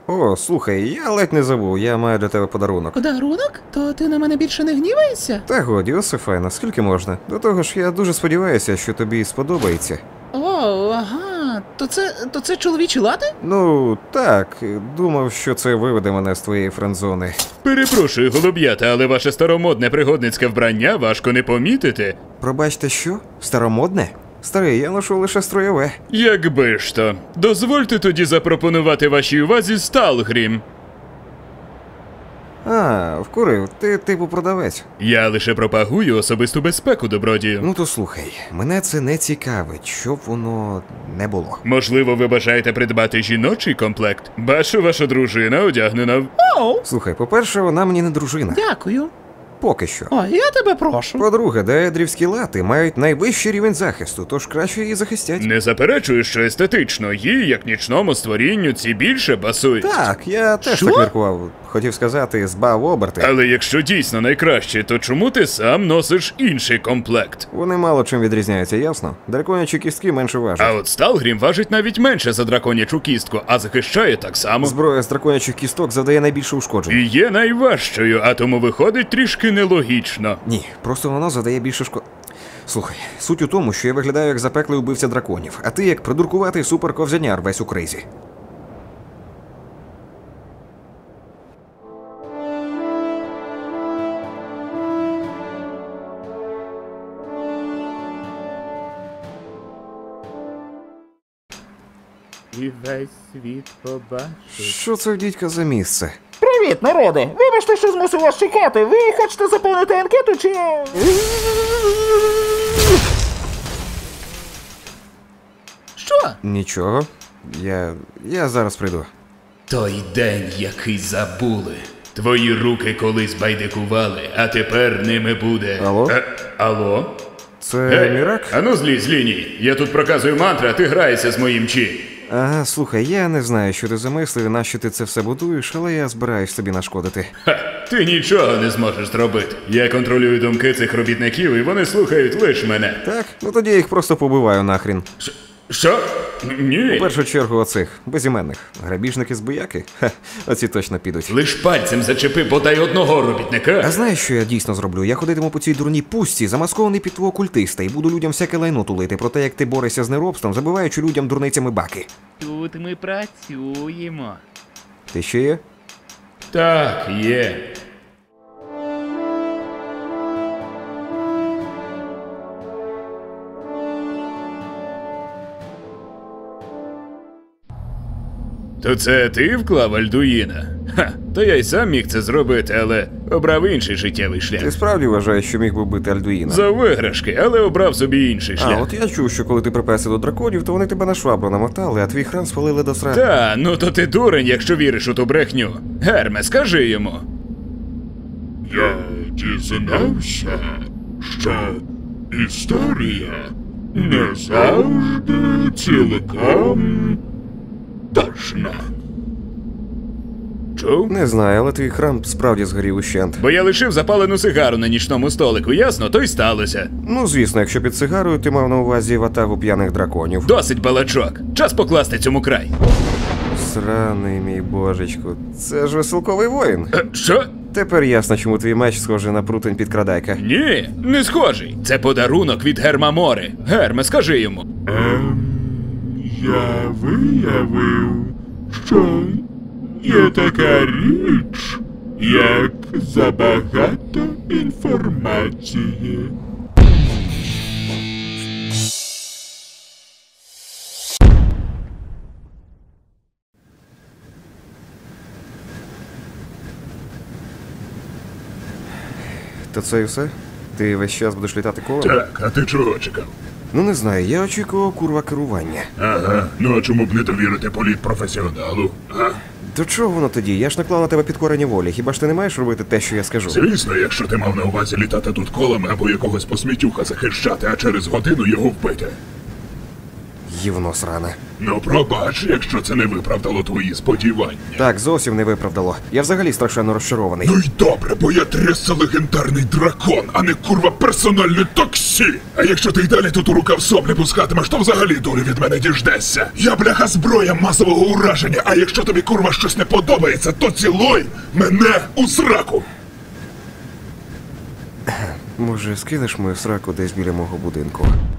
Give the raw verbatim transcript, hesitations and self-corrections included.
О, слухай, я ледь не забув, я маю для тебе подарунок. Подарунок? То ти на мене більше не гніваєшся? Та годі, Йосифе, наскільки можна? До того ж, я дуже сподіваюся, що тобі сподобається. О, ага. То це, то це чоловічі лати? Ну, так, думав, що це виведе мене з твоєї френдзони. Перепрошую, голуб'ята, але ваше старомодне пригодницьке вбрання важко не помітити. Пробачте, що? Старомодне? Старий, я ношу лише строєве. Якби ж то. Дозвольте тоді запропонувати вашій увазі Сталгрім. А, вкурив, ти типу продавець. Я лише пропагую особисту безпеку, добродію. Ну то слухай, мене це не цікавить, щоб воно не було. Можливо, ви бажаєте придбати жіночий комплект? Бачу, ваша дружина одягнена в... Оу, Слухай, по-перше, вона мені не дружина. дякую. Поки що. О, я тебе прошу. По-друге, деедрівські лати мають найвищий рівень захисту, тож краще її захистять. Не заперечую, що естетично, їй, як нічному створінню, ці більше пасують. Так, я теж Що? так міркував. Хотів сказати, збав оберти. Але якщо дійсно найкраще, то чому ти сам носиш інший комплект? Вони мало чим відрізняються, ясно? Драконячі кістки менше важать. А от Сталгрім важить навіть менше за драконячу кістку, а захищає так само. Зброя з драконячих кісток завдає найбільше ушкоджень. І є найважчою, а тому виходить трішки нелогічно. Ні, просто воно завдає більше шкод... Слухай, суть у тому, що я виглядаю як запеклий убивця драконів, а ти як придуркуватий суперковзяняр весь у кризі. І весь світ побачить. Що це в дідька за місце? Привіт, народи! Вибачте, що змусив вас чекати. Ви хочете заповнити анкету чи... Що? Нічого. Я... я зараз прийду. Той день, який забули. Твої руки колись байдикували, а тепер ними буде... Алло? Е, алло? Це Ей, Мірак? ану злізь з лінії. Я тут проказую мантри, а ти граєшся з моїм чі. Ага, слухай, я не знаю, що ти замислив і нащо ти це все будуєш, але я збираюсь тобі нашкодити. Ха, ти нічого не зможеш зробити. Я контролюю думки цих робітників, і вони слухають лише мене. Так? Ну тоді я їх просто побиваю нахрін. Ш- Що? Ні. В першу чергу оцих, безіменних. Грабіжники з бояки? Ха, оці точно підуть. Лиш пальцем зачепи бодай одного робітника. А знаєш, що я дійсно зроблю? Я ходитиму по цій дурній пустці, замаскований під твого культиста, і буду людям всяке лайно тулити про те, як ти борешся з неробством, забиваючи людям дурницями баки. Тут ми працюємо. Ти ще є? Так, є. То це ти вклав Альдуїна? Ха, то я й сам міг це зробити, але обрав інший життєвий Ти шлях. справді вважаєш, що міг би бити Альдуїна? За виграшки, але обрав собі інший А, шлях. от я чув, що коли ти приперся до драконів, то вони тебе на швабру намотали, а твій храм спалили до сра... Та, ну то ти дурень, якщо віриш у ту брехню. Герме, скажи йому. Я дізнався, що історія не завжди цілком точна. Чув? Не знаю, але твій храм справді згорів ущент. Бо я лишив запалену сигару на нічному столику, ясно? То й сталося. Ну, звісно, якщо під сигарою ти мав на увазі ватагу п'яних драконів. Досить балачок. Час покласти цьому край. Сраний мій божечку, це ж веселковий воїн. Е, що? Тепер ясно, чому твій меч схожий на прутень підкрадайка. Ні, не схожий. Це подарунок від Герма Мори. Герме, скажи йому. Ем, я виявив, що є така річ, як забагато інформації. То це і все? Ти весь час будеш літати колом? Так, а ти чого чекав? Ну не знаю, я очікував курва керування. Ага, ну а чому б не довірити політ професіоналу? А? До чого воно тоді? Я ж наклав на тебе підкорення волі. Хіба ж ти не маєш робити те, що я скажу? Звісно, якщо ти мав на увазі літати тут колами або якогось посмітюха захищати, а через годину його вбити. Гівно сране. Ну пробач, якщо це не виправдало твої сподівання. Так, зовсім не виправдало. Я взагалі страшенно розчарований. Ну й добре, бо я трясся легендарний дракон, а не курва персональне таксі. А якщо ти й далі тут у рукав соплі пускатимеш, то взагалі долі від мене діждешся. Я бляха зброя масового ураження, а якщо тобі курва щось не подобається, то цілуй мене у сраку. Може, скинеш мою сраку десь біля мого будинку?